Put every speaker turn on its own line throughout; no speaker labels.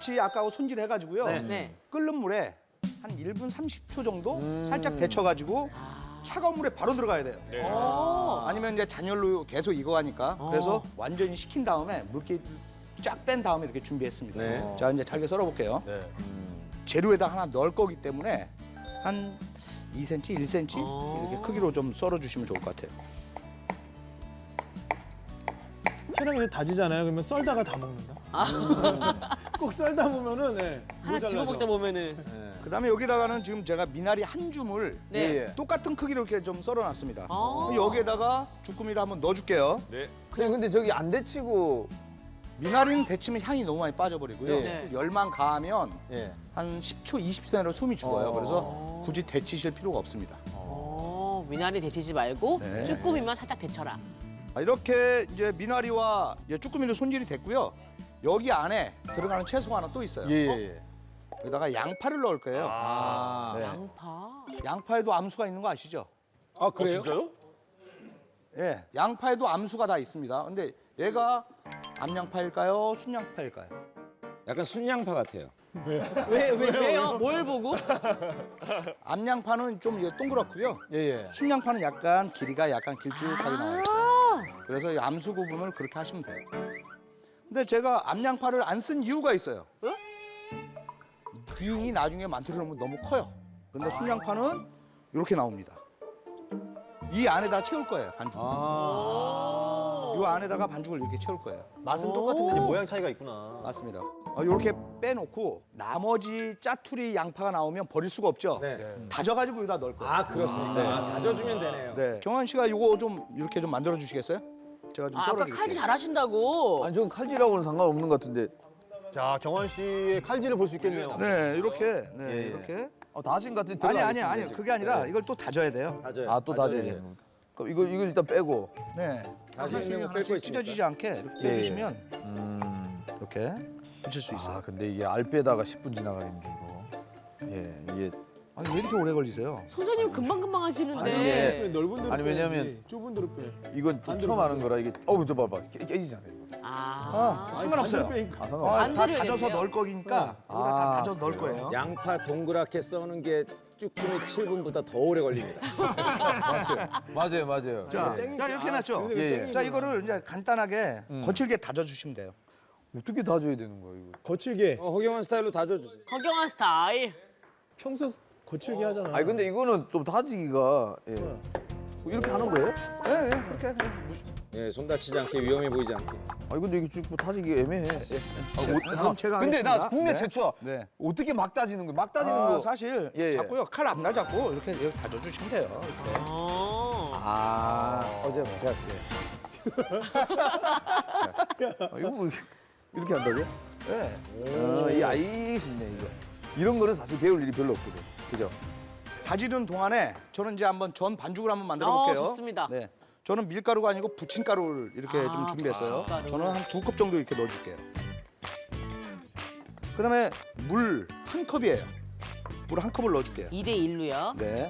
같이 아까 손질해가지고요.
네.
끓는 물에 한 1분 30초 정도 살짝 데쳐가지고 차가운 물에 바로 들어가야 돼요. 아니면 이제 잔열로 계속 익어가니까. 그래서 완전히 식힌 다음에 물기 쫙 뺀 다음에 이렇게 준비했습니다.
네.
자, 이제 잘게 썰어볼게요.
네.
재료에다 하나 넣을 거기 때문에 한 2cm, 1cm 이렇게 크기로 좀 썰어주시면 좋을 것 같아요.
회랑 이제 다지잖아요. 그러면 썰다가 다 먹는다. 꼭 썰다 보면은
하나 집어 먹다 보면은.
그다음에 여기다가는 지금 제가 미나리 한 줌을
네.
똑같은 크기로 이렇게 좀 썰어놨습니다.
아.
여기에다가 주꾸미를 한번 넣어줄게요.
네.
그냥 근데 저기 안 데치고
미나리는 데치면 향이 너무 많이 빠져버리고요.
네.
열만 가하면
예.
한 10초, 20초 내로 숨이 죽어요. 그래서 굳이 데치실 필요가 없습니다.
미나리 데치지 말고
네.
쭈꾸미만 살짝 데쳐라.
이렇게 이제 미나리와 이제 쭈꾸미는 손질이 됐고요. 여기 안에 들어가는 채소가 하나 또 있어요.
예.
여기다가 양파를 넣을 거예요.
아.
네.
양파.
양파에도 암수가 있는 거 아시죠?
아 그래요?
진짜요?
예, 양파에도 암수가 다 있습니다. 근데 얘가 암양파일까요? 순양파일까요?
약간 순양파 같아요.
왜요? 뭘 보고?
암양파는 좀 이게 동그랗고요.
예예.
순양파는 약간 길이가 약간 길쭉하게 나와 있어요. 그래서 이 암수 구분을 그렇게 하시면 돼요. 근데 제가 암양파를 안 쓴 이유가 있어요. 비용이 나중에 만들어 놓으면 너무 커요. 근데 순양파는 이렇게 나옵니다. 이 안에다 채울 거예요, 반죽. 이 안에다가 반죽을 이렇게 채울 거예요.
맛은 똑같은데 모양 차이가 있구나.
맞습니다. 이렇게 빼놓고 나머지 짜투리 양파가 나오면 버릴 수가 없죠.
네.
다져가지고 여기다 넣을 거예요.
아 그렇습니까?
네.
아, 다져주면 되네요.
네. 경환 씨가 이거 좀 이렇게 좀 만들어 주시겠어요? 제가 좀
아까
썰어드릴게요.
칼질 잘하신다고.
아니 저건 칼질하고는 상관없는 것 같은데.
자, 경환 씨의 칼질을 볼 수 있겠네요.
네, 이렇게, 네,
예, 예.
이렇게.
다 하신 것 같은데.
아니, 그게 아니라 이걸 또 다져야 돼요.
다져요.
아 또 다져야
다져야죠.
되는 거. 그럼 이거 일단 빼고.
네.
다시
하나씩
있는 거
하나씩
뺄거 있으니까.
찢어지지 않게 이렇게
예, 예.
빼주시면 이렇게 붙일 수 있어요.
아 근데 이게 알 빼다가 10분 지나가는데 이거. 예 이게
아니 왜 이렇게 오래 걸리세요?
선생님 금방금방 하시는데.
예.
넓은 데로
아니,
빼야지.
왜냐면-
좁은 데로 빼.
이건 또 처음 하는 거라 이게 어우 저 봐봐 깨지잖아요. 이거.
상관없어요.
아 상관.
다
반대로
다져서
해야 돼요.
넣을 거니까 여기다 다 다져서 넣을 거예요.
양파 동그랗게 써는 게 쭈꾸미 7분보다 더 오래 걸립니다.
맞아요.
자, 이렇게 해놨죠?
예, 예.
자, 이거를 이제 간단하게 거칠게 다져주시면 돼요.
어떻게 다져야 되는 거야 이거?
거칠게.
허경환 스타일로 다져주세요.
허경환 스타일.
평소 거칠게 하잖아.
아니 근데 이거는 좀 다지기가 예. 이렇게 하는 거예요?
예, 예, 그렇게.
예, 손 다치지 않게 위험해 보이지 않게.
아니 근데 이게 지금 다지기 애매해.
그럼 제가
근데 나
하겠습니다.
국내
네.
최초야.
네.
어떻게 막 다지는 거야? 막 다지는 거.
사실
예, 예.
잡고요. 칼 앞날 잡고 이렇게 다져주시면 돼요. 이렇게.
어제 제가 이거 뭐 이렇게 한다고요?
네.
이 알겠습니다 이거. 이런 거는 사실 배울 일이 별로 없거든. 그죠?
다지는 동안에 저는 이제 한번 전 반죽을 한번 만들어 볼게요.
좋습니다.
네. 저는 밀가루가 아니고 부침가루를 이렇게 좀 준비했어요.
부침가루.
저는 한 2컵 정도 이렇게 넣어줄게요. 그다음에 물 한 컵이에요. 물 한 컵을 넣어줄게요.
2대 1로요.
네.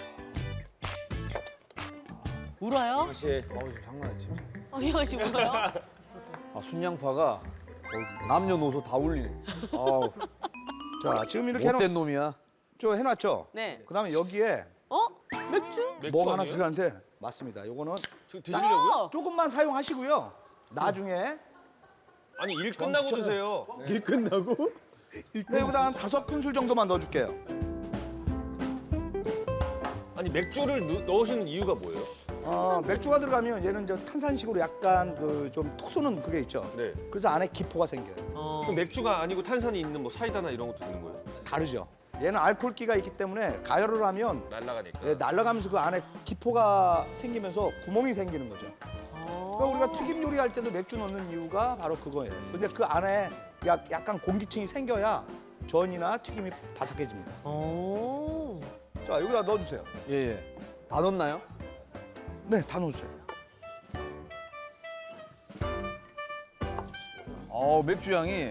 울어요?
혹시
장난 아니지.
허경환 씨 울어요?
아 순양파가 남녀노소 다 울리네. 아우
자, 지금 이렇게
못된 놈이야.
해놨죠?
네.
그다음에 여기에
맥주?
뭐가 하나 들어가는데 맞습니다. 요거는
드시려고요?
조금만 사용하시고요. 나중에
아니, 일 끝나고 드세요.
일 끝나고?
네, 여기다 한 5큰술 정도만 넣어줄게요.
아니, 맥주를 넣으시는 이유가 뭐예요?
맥주가 들어가면 얘는 이제 탄산식으로 약간 그 좀 톡 쏘는 그게 있죠.
네.
그래서 안에 기포가 생겨요.
그럼 맥주가 아니고 탄산이 있는 뭐 사이다나 이런 것도 되는 거예요?
다르죠. 얘는 알코올기가 있기 때문에 가열을 하면
날아가니까.
날아가면서 그 안에 기포가 생기면서 구멍이 생기는 거죠. 그러니까 우리가 튀김 요리할 때도 맥주 넣는 이유가 바로 그거예요. 근데 그 안에 약간 공기층이 생겨야 전이나 튀김이 바삭해집니다. 자, 여기다 넣어주세요.
예. 다 넣나요?
네, 다 넣어주세요.
맥주 향이.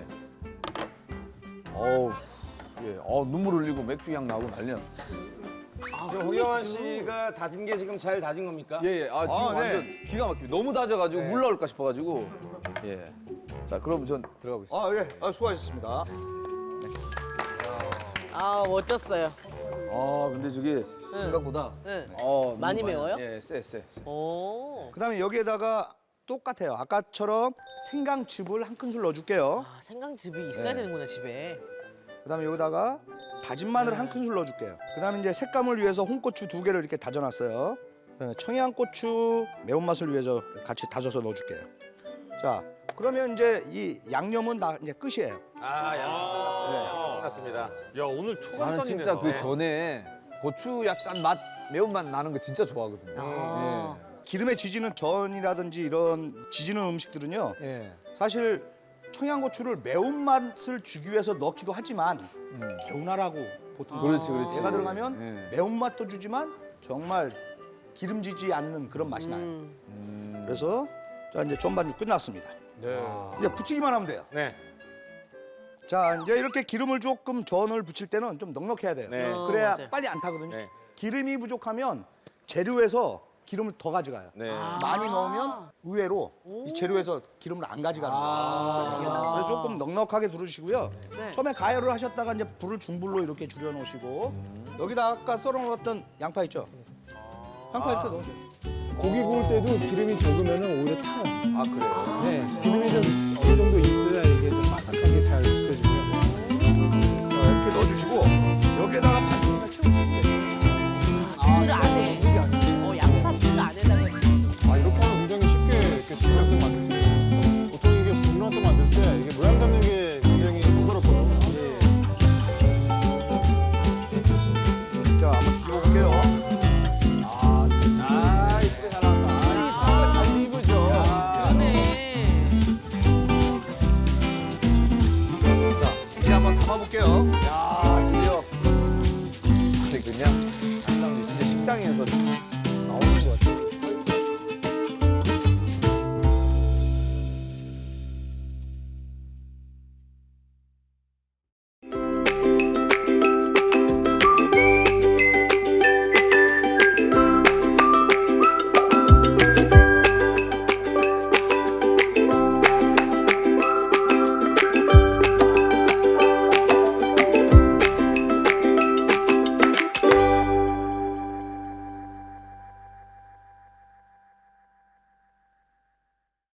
예. 눈물 흘리고 맥주 향 나고 난리 났어.
허경환 씨가 다진 게 지금 잘 다진 겁니까?
예. 지금
네.
완전 기가 막히게 너무 다져가지고 물 나올까 싶어가지고. 예. 자, 그럼 전 들어가 보겠습니다.
아, 예. 아, 수고하셨습니다.
아 멋졌어요.
아, 근데 저게 생각보다
네.
너무
많이 매워요?
예, 쎄.
오.
그다음에 여기에다가 똑같아요. 아까처럼 생강즙을 한 큰술 넣어줄게요.
아 생강즙이 있어야
네.
되는구나 집에.
그다음에 여기다가 다진 마늘
네.
한 큰술 넣어줄게요. 그다음에 이제 색감을 위해서 홍고추 2개를 이렇게 다져놨어요. 그다음에 청양고추 매운맛을 위해서 같이 다져서 넣어줄게요. 자, 그러면 이제 이 양념은 다 이제 끝이에요.
끝났습니다.
야 오늘 초간단이네.
나는 진짜
나.
그 전에 고추 약간 매운맛 나는 거 진짜 좋아하거든요.
아.
기름에 지지는 전이라든지 이런 지지는 음식들은요.
예.
사실 청양고추를 매운맛을 주기 위해서 넣기도 하지만 개운하라고 보통
그렇지.
얘가 들어가면
예.
매운맛도 주지만 정말 기름지지 않는 그런 맛이 나요. 그래서 자 이제 전반죽 끝났습니다.
네.
이제 부치기만 하면 돼요.
네.
자 이제 이렇게 기름을 조금 전을 부칠 때는 좀 넉넉해야 돼요.
네.
그래야
맞아요.
빨리 안 타거든요.
네.
기름이 부족하면 재료에서 기름을 더 가져가요.
네.
많이 넣으면 의외로 이 재료에서 기름을 안 가져가는 거예요. 그래서 조금 넉넉하게 두르시고요.
네.
처음에 가열을 하셨다가 이제 불을 중불로 이렇게 줄여놓으시고 여기다 아까 썰어놓았던 양파 있죠? 양파 이렇게 넣으세요.
고기 구울 때도 기름이 적으면 오히려 타요.
아 그래요?
네, 기름이 좀 어느 정도 있어야 이게 좀 바삭하게 잘 익혀지고요.
이렇게 넣어주시고 여기에다가 반죽을 채워주시면 돼요.
를 안에. 양파를 안에다가.
아, 이렇게 하면 굉장히 쉽게 이렇게 수프레소 만드시면 보통 이게 불나서 만들 때 이게 모양 잡는 게 굉장히 번거롭거든요.
자 한번 찍어볼게요.
이쁘게 잘 나왔다. 잘 익으죠.
그러네.
자 이제 한번 담아볼게요.
야, 드디어. 근데 그냥 식당에서